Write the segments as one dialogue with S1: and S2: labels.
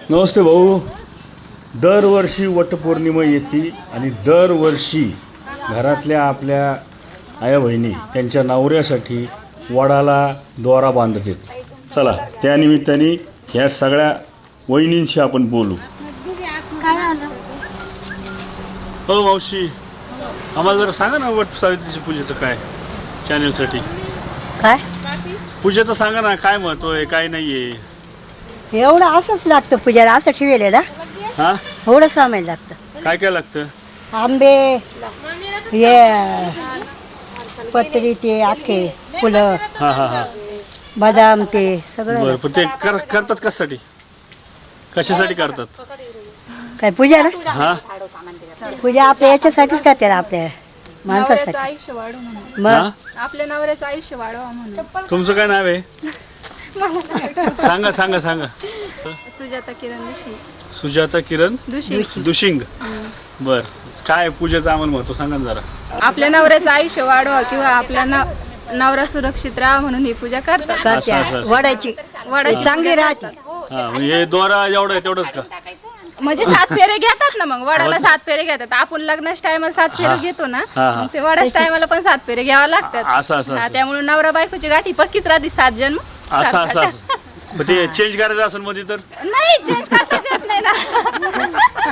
S1: नमस्ते भाऊ. दरवर्षी वटपौर्णिमा येते आणि दरवर्षी घरातल्या आपल्या आया बहिणी त्यांच्या नवऱ्यासाठी वडाला दोरा बांधतात. चला त्यानिमित्ताने ह्या सगळ्या वहिनींशी आपण बोलू.
S2: काय आलं?
S1: हो मावशी, आम्हाला जरा सांगा ना वट सावित्रीच्या पूजेचं काय चॅनलसाठी.
S2: काय
S1: पूजेचं सांगा ना, काय महत्त्व आहे काय नाही आहे.
S2: एवढं असंच लागतं पूजाला, असं ठेवलेलं ना,
S1: हां
S2: एवढं सामान लागतं.
S1: काय काय लागतं.
S2: आंबे, हे पत्री, ते आखे फुलं,
S1: हां हां हां
S2: बदाम, ते सगळं.
S1: बरं, पण ते करतात कशासाठी, कशासाठी करतात.
S2: काय पूजा ना,
S1: हां
S2: पूजा आपल्या याच्यासाठीच करते ना, आपल्या माणसासाठी.
S3: आयुष्य वाढव म्हणून,
S2: मग
S3: आपल्या नवऱ्याचं आयुष्य वाढवा म्हणून.
S1: तुमचं काय नाव आहे. सांगा सांगा सांगा.
S3: सुजाता किरण दुशी.
S1: सुजाता किरण
S3: दुशी.
S1: दुशिंग. बर, काय पूजेचं आम्हाला महत्व सांगा ना जरा.
S3: आपल्या नवऱ्याचं आयुष्य वाढवा किंवा आपल्या नवरा सुरक्षित राहा म्हणून ही पूजा करतात.
S2: करते
S1: असं.
S2: वडायची
S3: वडाची
S2: चांगली राहते.
S1: हा, मग हे दोरा एवढं आहे तेवढंच का.
S3: म्हणजे 7 फेरे घेतात ना, मग वडाला 7 फेरे घेतात. आपण लग्नाच्या टायमाला 7 फेरे घेतो ना,
S1: हा, हा.
S3: मग ते वडाच्या टायमाला पण 7 फेरे घ्यावा लागतात.
S1: असं असं
S3: हा,
S1: असं
S3: त्यामुळे नवरा बायकोची गाठी पक्कीच राहते 7 जन्म.
S1: असं असं असं. मग ते चेंज करायचं असेल मध्ये तर
S3: नाही, चेंज करताच येत नाही ना.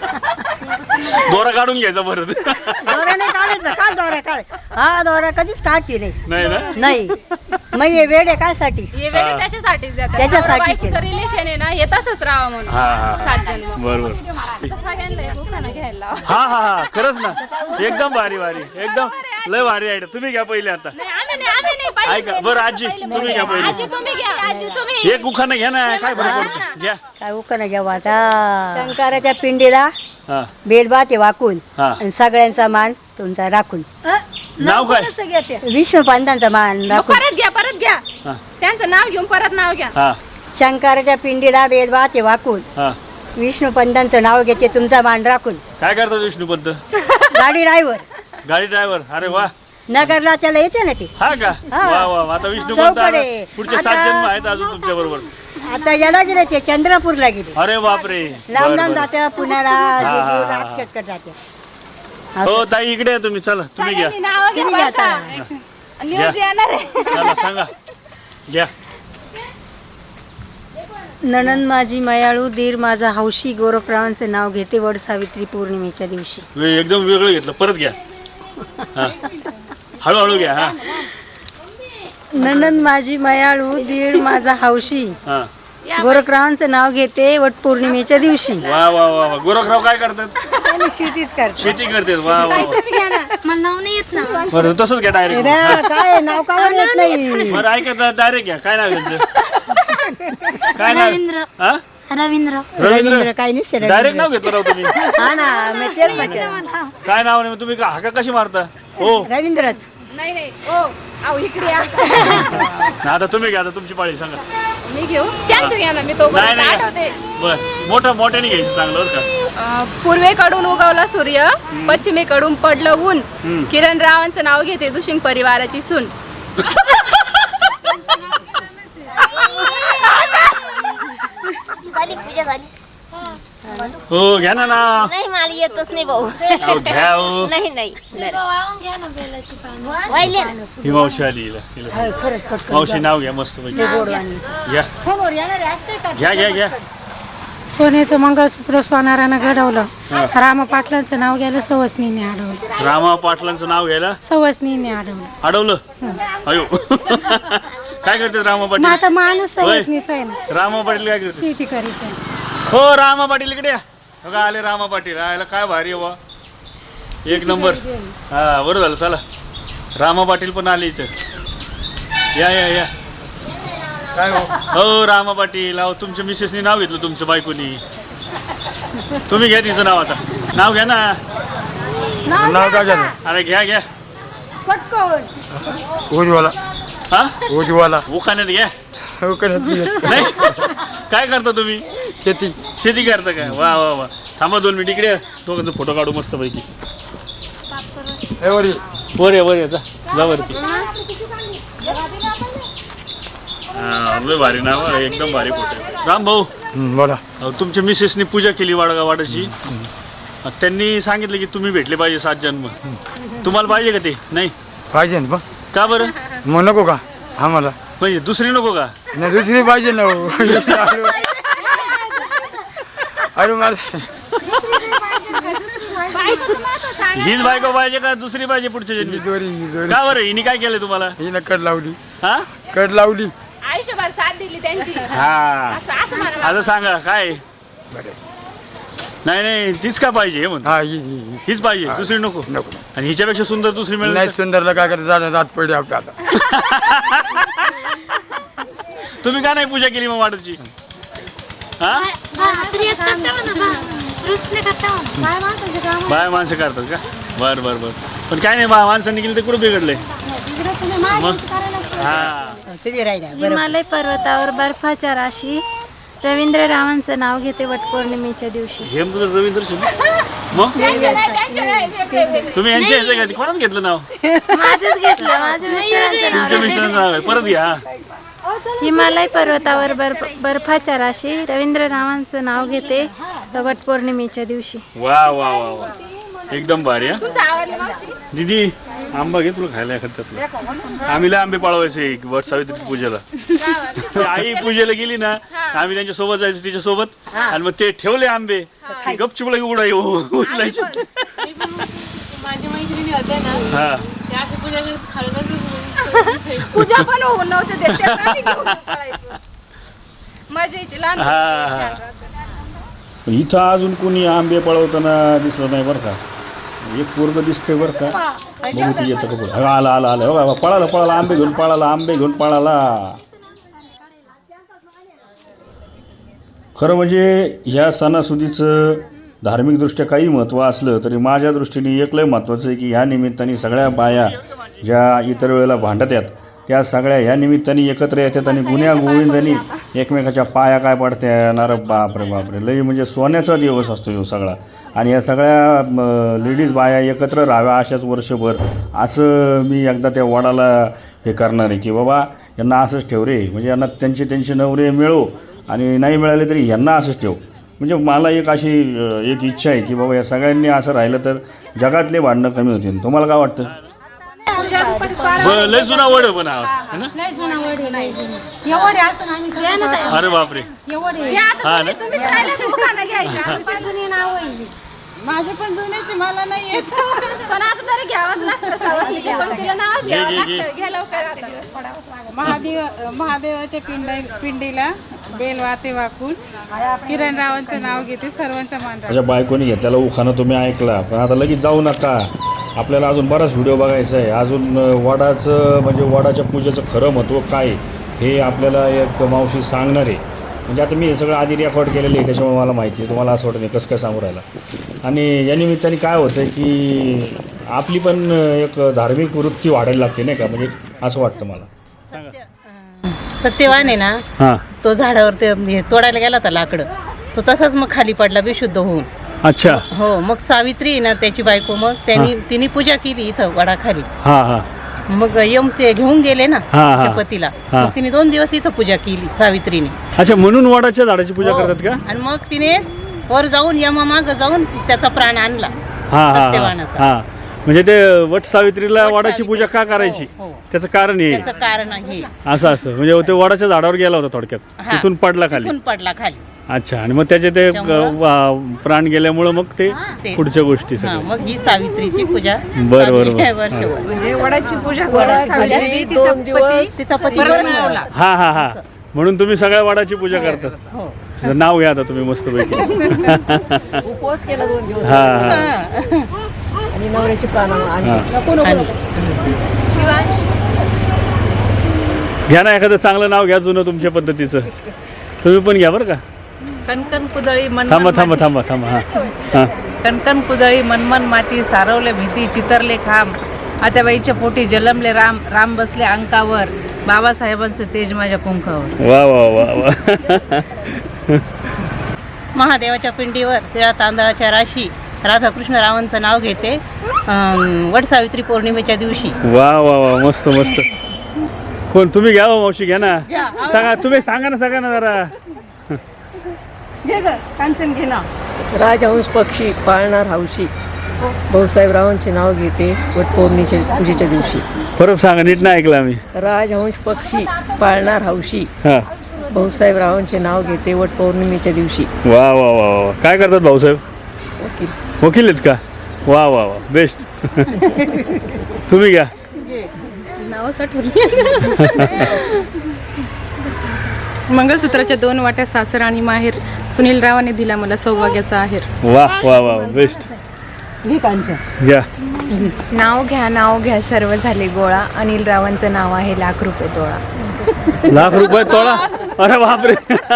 S1: दोरा काढून घ्यायचा परत.
S2: दोरा नाही काढायचा का, दोरा काढ. हा, दोरा कधीच काढते नाही.
S1: नाही ना.
S2: नाही, मग हे वेळ आहे काय साठी.
S3: हे वेगळे त्याच्यासाठीच देतात.
S2: त्याच्यासाठी
S3: नवरा बायकोचं रिलेशन आहे ना, हे तसंच राहावं म्हणून.
S1: हा हा
S3: 7 जन्म.
S1: बरोबर.
S3: सगळ्यांना एक उखाणा घ्यायला लावा.
S1: हा हा हा, खरंच ना. एकदम भारी भारी, एकदम लय भारी आयडिया. तुम्ही घ्या पहिले आता.
S3: नाही, आम्ही नाही, पहिले
S1: ऐका बरं, आजी तुम्ही घ्या पहिले.
S3: आजी तुम्ही घ्या, आजी तुम्ही.
S1: एक उखाणं घ्या ना, काय फरक पडतो. घ्या.
S2: काय उकणं घ्यावं आता. शंकराच्या पिंडीला
S1: हा
S2: बेलबाते वाकून
S1: हा.
S2: आणि सगळ्यांचा मान तुमचा राखून.
S1: नाव काय.
S2: विष्णू पंतांचा मान
S3: मग
S2: राखून.
S3: परत घ्या.
S1: हा
S3: त्यांचं नाव घेऊन परत नाव घ्या.
S1: हा
S2: शंकराच्या पिंडीला बेलबाते वाकून
S1: हा.
S2: विष्णू पंतांचं नाव घेते तुमचा मान राखून.
S1: काय करतात विष्णुपंत.
S2: गाडी ड्रायव्हर
S1: गाडी ड्रायव्हर. अरे वा.
S2: नगरला त्याला येते ना ते.
S1: हा का.
S2: हा.
S1: वा वा. आता विष्णुपंत
S2: चौकडे.
S1: पुढचे 7 जन्म आहेत अजून तुमच्या बरोबर.
S2: आता याला गेले ते चंद्रपूरला गेले.
S1: अरे बापरे.
S2: लांब
S1: बरं,
S2: लांब
S1: बरं.
S2: जाते पुण्याला,
S1: हा.
S2: राक्षसकडे जाते.
S1: हो ताई, इकडे या तुम्ही. चला तुम्ही घ्या.
S3: सगळ्यांनी नावं घ्या
S2: तुम्ही
S3: बरं
S2: घ्या
S3: का. न्यूज येणार आहे.
S1: चला सांगा. घ्या.
S2: नणंद माझी मयाळू, दीर माझा हौशी, गोरखरावांचे नाव घेते वड सावित्री पौर्णिमेच्या दिवशी.
S1: एकदम वेगळं घेतलं. परत घ्या. हा, हळूहळू घ्या. हा
S2: नणंद माझी मयाळू, दीर माझा हौशी,
S1: हा.
S2: गोरखरावांचं नाव घेते वट पौर्णिमेच्या दिवशी.
S1: वा वा वा वा. गोरखराव काय करतात.
S2: आणि शेतीच करते.
S1: शेती करतात. वा वा वा.
S3: तुम्ही घ्या ना.
S2: मला नाव नाही येत ना.
S1: बरं, तसंच घ्या डायरेक्ट.
S2: काय नाव काय येत नाही.
S1: बरं ऐका, डायरेक्ट घ्या. काय नाव आहे त्यांचं. काय नाव. हा
S2: रवींद्र
S1: रवींद्र.
S2: काय नाही.
S1: डायरेक्ट नाव घेतलं राव तुम्ही.
S2: हा ना, मी तेच म्हटलं.
S1: काय नाव नाही. तुम्ही हाका कशी मारता. हो
S2: रवींद्रच.
S3: नाही ओ आऊ इकडे या.
S1: ना, आता तुम्ही घ्या. आता तुमची पाळी सांगा.
S3: मी घेऊ त्यांचं घ्या ना. मी तो
S1: नाही नाही
S3: आठवते.
S1: बर, मोठ्याने घ्यायचं चांगलं बरं का.
S3: पूर्वेकडून उगवला सूर्य, पश्चिमेकडून पडलं ऊन. किरण रावांचं नाव घेते दुशिंग परिवाराची सून.
S4: झाली पूजा झाली.
S1: हो घ्या ना नाव.
S4: नाही मला येतच नाही भाऊ.
S1: अहो, घ्या हो.
S4: नाही नाही वाहिले ना.
S1: ही मावशी आली हिला. मावशी नाव घ्या मस्त पैकी. घ्या घ्या घ्या घ्या.
S5: सोन्याचं मंगळसूत्र सोनारानं घडवलं. रामा पाटलांचं नाव घ्यायला सवसनीने अडवलं.
S1: रामा पाटलांचं नाव घ्यायला
S5: सवसनीने अडवलं.
S1: अडवलं. अयो. काय करतात रामा
S5: मग
S1: पाटील.
S5: आता माणूस सवसनीचा आहे ना,
S1: रामा पाटील काय करतात.
S5: शेती करीत आहे.
S1: हो रामा पाटील इकडे या. बघा आले रामा पाटील. आयला काय भारी आहे बा. एक नंबर. हा बरं झालं. चला रामा पाटील पण आले इथं. या या या. काय हो रामा पाटील. अहो तुमच्या मिसेसनी नाव घेतलं तुमच्या बायकोनी. तुम्ही घ्या तिचं नाव. आता नाव घ्या ना.
S6: नाव काय झालं.
S1: अरे घ्या घ्या.
S6: उज्ज्वला.
S1: हा
S6: उज्ज्वला.
S1: उखाण्यात घ्या.
S6: शेती.
S1: नाही काय करता तुम्ही. शेती करता काय. वा वा वा. थांबा 2 मिनिट इकडे. दोघांचा फोटो काढू मस्त पैकी. वर या जा जा वरती. हा, लय भारी नाव आहे, एकदम भारी फोटो आहे. राम भाऊ,
S6: बोला.
S1: तुमच्या मिसेसनी पूजा केली वाडाची. त्यांनी सांगितलं की तुम्ही भेटले पाहिजे 7 जन्म. तुम्हाला पाहिजे का ते? नाही
S6: पाहिजे ना पण.
S1: का बरं?
S6: मग नको का आम्हाला?
S1: म्हणजे दुसरी नको का?
S6: नाही दुसरी पाहिजे ना हो. अरे मला
S1: हीच बायको पाहिजे का दुसरी पाहिजे पुढच्या जन्मी?
S6: दोरी
S1: का बरं? हिने काय केलं तुम्हाला?
S6: हिनं कड लावली.
S1: हा
S6: कड लावली.
S3: आयुष्यभर साथ दिली त्यांची.
S1: हा
S3: असं म्हणा.
S1: आता सांगा काय? नाही तीच का पाहिजे हे म्हणतो.
S6: हा
S1: हीच पाहिजे, दुसरी नको.
S6: नको.
S1: आणि हिच्यापेक्षा सुंदर दुसरी मिळेल
S6: नाही
S1: तर?
S6: सुंदरला काय करायचं झालं रात पडली आपल्या आता.
S1: तुम्ही का नाही पूजा केली मग वाडाची? हा बाय माणसं करतात का? बर पण काय नाही, माणसांनी केली तर कुठं बिघडले? हा
S2: हिमालय पर्वतावर बर्फाच्या राशी रवींद्र रावांचं नाव घेते वटपौर्णिमेच्या दिवशी.
S1: हे तुझं रवींद्र शिंदे मग तुम्ही यांच्या ह्याचं का? कोणाच घेतलं नाव?
S2: माझंच घेतलं, माझ्या मिस्टरांचं नाव.
S1: तुमच्या मिस्टरांचं नाव आहे, परत घ्या.
S2: हिमालय पर्वतावर बर्फाच्या राशी रवींद्र रावांचं नाव घेते वटपौर्णिमेच्या दिवशी.
S1: वा वा वा वा, एकदम भारी. हा
S3: तुमचं आवडलं मावशी?
S1: दीदी आंबा घे तुला खायला एखाद्यातलं. आम्ही लय आंबे पाळवायचे वट सावित्री पूजेला. आई पूजेला गेली ना, आम्ही त्यांच्या सोबत जायचो तिच्या सोबत, आणि मग ते ठेवले आंबे गपचूप लगे उडाई उचलायचे.
S4: माझी मैत्रिणी होत्या ना,
S1: हा
S4: त्या अशी पूजा करत खालूनच
S3: पूजा पण होऊन नव्हते देत, त्यात आम्ही घेऊन पळायचो. मजा यायची लहान
S1: हा. इथं अजून कोणी आंबे पळवताना दिसलं नाही बरं का. एक पोरग दिसते बरं का, बघू ती येतं का पुढं. आला पळाला आंबे घेऊन पळाला. खरं म्हणजे ह्या सणासुदीचं धार्मिकदृष्ट्या काही महत्त्व असलं तरी माझ्या दृष्टीने एक लय महत्त्वाचं आहे की ह्या निमित्ताने सगळ्या बाया ज्या इतर वेळेला भांडतात त्या सगळ्या ह्या निमित्ताने एकत्र येतात आणि गुन्ह्या गोविंदांनी एकमेकाच्या पाया काय पडत्या. नार बापरे लई म्हणजे सोन्याचा दिवस असतो ह्यो सगळा. आणि या सगळ्या लेडीज बाया एकत्र राहाव्या अशाच वर्षभर, असं मी एकदा त्या वडाला हे करणार आहे की बाबा यांना असंच ठेव रे, म्हणजे यांना त्यांचे नवरे मिळो, आणि नाही मिळाले तरी यांना असंच ठेव. म्हणजे मला एक अशी एक इच्छा आहे की बाबा या सगळ्यांनी असं राहिलं तर जगातले भांडणं कमी होतील. तुम्हाला काय वाटतं? लय जुना वड पण अरे बापरे. हा ना,
S3: तुम्हीच राहिला तर दुकानं घ्यायची.
S5: माझे पण जुने मला नाही येत.
S3: पण आता तरी घ्यावंच लागतं सवासणीला. पण तिला नावच घ्यावं लागतं. घ्या लवकर आता.
S5: महादेवाच्या पिंडीला बेल वाते वाकून किरण रावांचं नाव घेते, सर्वांचा मान राखते.
S1: माझ्या बायकोनी घेतलेला उखाणं तुम्ही ऐकला, पण आता लगेच जाऊ नका. आपल्याला अजून बराच व्हिडिओ बघायचा आहे. अजून वडाचं म्हणजे वडाच्या पूजेचं खरं महत्त्व काय हे आपल्याला एक मावशी सांगणार आहे. म्हणजे आता मी हे सगळं आधी रेकॉर्ड केलेलं आहे, त्याच्यामुळे मला माहिती आहे. तुम्हाला असं वाटतं नाही कसं काय सांगू राहिला. आणि या निमित्ताने काय होतं की आपली पण एक धार्मिक वृत्ती वाढायला लागते नाही का, म्हणजे असं वाटतं मला.
S7: सत्यवान आहे ना,
S1: हां
S7: तो झाडावर ते तोडायला गेला होता लाकडं, तो तसाच मग खाली पडला बेशुद्ध होऊन.
S1: अच्छा.
S7: हो, मग सावित्री आहे ना त्याची बायको, मग तिने पूजा केली इथं वडाखाली.
S1: हां हां.
S7: मग यम ते घेऊन गेले ना
S1: हा, हा.
S7: तिच्या पतीला, मग तिने 2 दिवस इथं पूजा केली सावित्रीने.
S1: अच्छा, म्हणून वडाच्या झाडाची पूजा करतात का?
S7: आणि मग तिने वर जाऊन यमामाग जाऊन त्याचा प्राण आणला सत्यवानाचा.
S1: हां, म्हणजे ते वट सावित्रीला वडाची पूजा का करायची
S7: हो, हो.
S1: त्याचं कारण हे
S7: त्याचं कारण आहे
S1: असं म्हणजे ते वडाच्या झाडावर गेला होता थोडक्यात,
S7: हा.
S1: तिथून पडला खाली.
S7: तिथून पडला खाली.
S1: अच्छा, आणि मग त्याचे ते प्राण गेल्यामुळं मग ते
S7: ते.
S1: पुढच्या गोष्टी
S7: हा,
S1: सगळ्या.
S7: मग ही सावित्रीची पूजा
S1: बरं,
S7: चालली
S1: बरं.
S7: आहे वर्षभर.
S3: म्हणजे वडाची पूजा सावित्री
S7: तिचा पती बनवला.
S1: हा हा हा, म्हणून तुम्ही सगळ्या वडाची पूजा करता.
S7: हो.
S1: तर नाव घ्या आता तुम्ही मस्तपैकी.
S7: उपवास केला 2 दिवस.
S1: हा हा
S7: आणि नवऱ्याची प्राण
S1: घ्या ना एखादं चांगलं नाव घ्या जुनं तुमच्या पद्धतीचं. तुम्ही पण घ्या बरं का.
S8: कणकण कुदळी
S1: थांबा हा हा.
S8: कणकण कुदळी मनमन माती सारवले भीती चितरले खांब आत्याबाईच्या पोटी जलमले राम बसले अंकावर बाबासाहेबांचे तेज माझ्या कुंकावर.
S1: वा वा वा वा.
S7: महादेवाच्या पिंडीवर तिळा तांदळाच्या राशी राधाकृष्ण रावांचं नाव घेते वट सावित्री पौर्णिमेच्या दिवशी.
S1: वा वा वा, मस्त मस्त. कोण तुम्ही घ्या हो, मावशी घ्या ना. सांगा तुम्ही सांगा ना जरा.
S7: कांचन घे ना.
S9: राजहंस पक्षी पाळणार हौशी भाऊसाहेबरावांचे नाव घेते वटपौर्णिमेच्या पूजेच्या दिवशी.
S1: परत सांगा, नीट नाही ऐकलं आम्ही.
S9: राजहंस पक्षी पाळणार हौशी
S1: हा.
S9: भाऊसाहेबरावांचे नाव घेते वटपौर्णिमेच्या दिवशी.
S1: वा वा वा वा. काय करतात भाऊसाहेब? वकील आहेत का? वा वा वा, बेस्ट. तुम्ही घ्या.
S3: नावच मंगळसूत्राच्या 2 वाट्या सासर आणि माहेर सुनील रावाने दिला मला सौभाग्याचा आहेर.
S1: वा वा वा, बेस्ट. घ्या.
S2: नाव घ्या सर्व झाले गोळा. अनिल रावांचं नाव आहे ₹1,00,000 तोळा.
S1: ₹1,00,000 तोळा? अरे बापरे.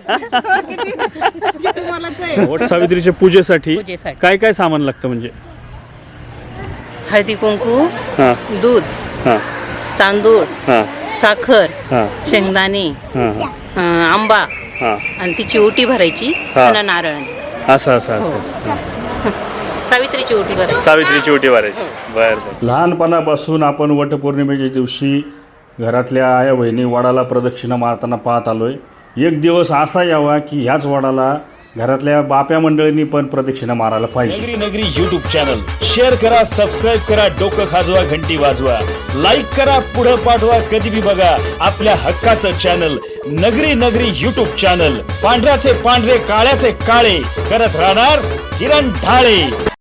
S1: वट सावित्रीच्या पूजेसाठी काय काय सामान लागतं म्हणजे?
S7: हळदी कुंकू,
S1: हा
S7: दूध,
S1: हा
S7: तांदूळ,
S1: हा
S7: साखर,
S1: हा
S7: शेंगदाणे,
S1: हा
S7: आंबा
S1: हा.
S7: आणि तिची ओटी भरायची
S1: हा.
S7: आणि नारळ.
S1: असं असं असं.
S7: सावित्रीची ओटी भरायची.
S1: सावित्रीची ओटी भरायची. बरं. लहानपणापासून आपण वटपौर्णिमेच्या दिवशी घरातल्या आया बहिणी वडाला प्रदक्षिणा मारताना पाहत आलोय. एक दिवस असा यावा की ह्याच वडाला घरातल्या बाप्या मंडळींनी पण प्रदक्षिणा मारायला पाहिजे.
S10: नगरी यूट्यूब चॅनल शेअर करा, सबस्क्राईब करा, डोकं खाजवा, घंटी वाजवा, लाईक करा, पुढं पाठवा, कधी बी बघा आपल्या हक्काचं चॅनल नगरी यूट्यूब चॅनल. पांढऱ्याचे पांढरे, काळ्याचे काळे करत राहणार किरण ढाळे.